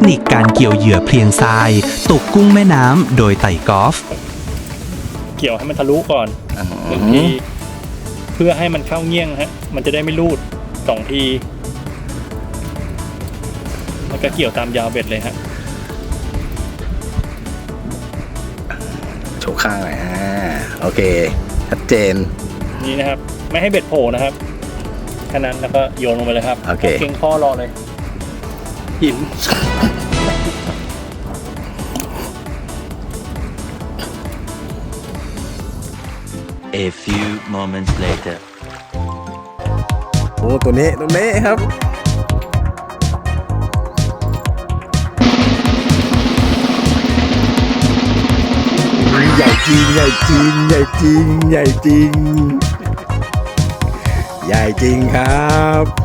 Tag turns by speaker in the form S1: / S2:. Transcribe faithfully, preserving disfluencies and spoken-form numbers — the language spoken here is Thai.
S1: นิคการเกี่ยวเหยื่อเพลียงทรายตกกุ้งแม่น้ำโดยไต่กอล์ฟ
S2: เกี่ยวให้มันทะลุก่อนหนึ่งทีเพื่อให้มันเข้าเงี้ยงฮะมันจะได้ไม่รูดสองทีแล้วก็เกี่ยวตามยาวเบ็ดเลยฮะ
S3: โชว์ข้างหน่อยอ่าโอเคชัดเจน
S2: นี่นะครับไม่ให้เบ็ดโผล่นะครับแค่นั้นแล้วก็โยนลงไปเลยครับ
S3: โอเค
S2: เก่งข้อรอเลยหิน
S4: A few moments later
S3: โอ้ตัวนี้ตัวนี้ครับใหญ่จริงใหญ่จริงใหญ่จริงใหญ่จริงใหญ่จริงครับ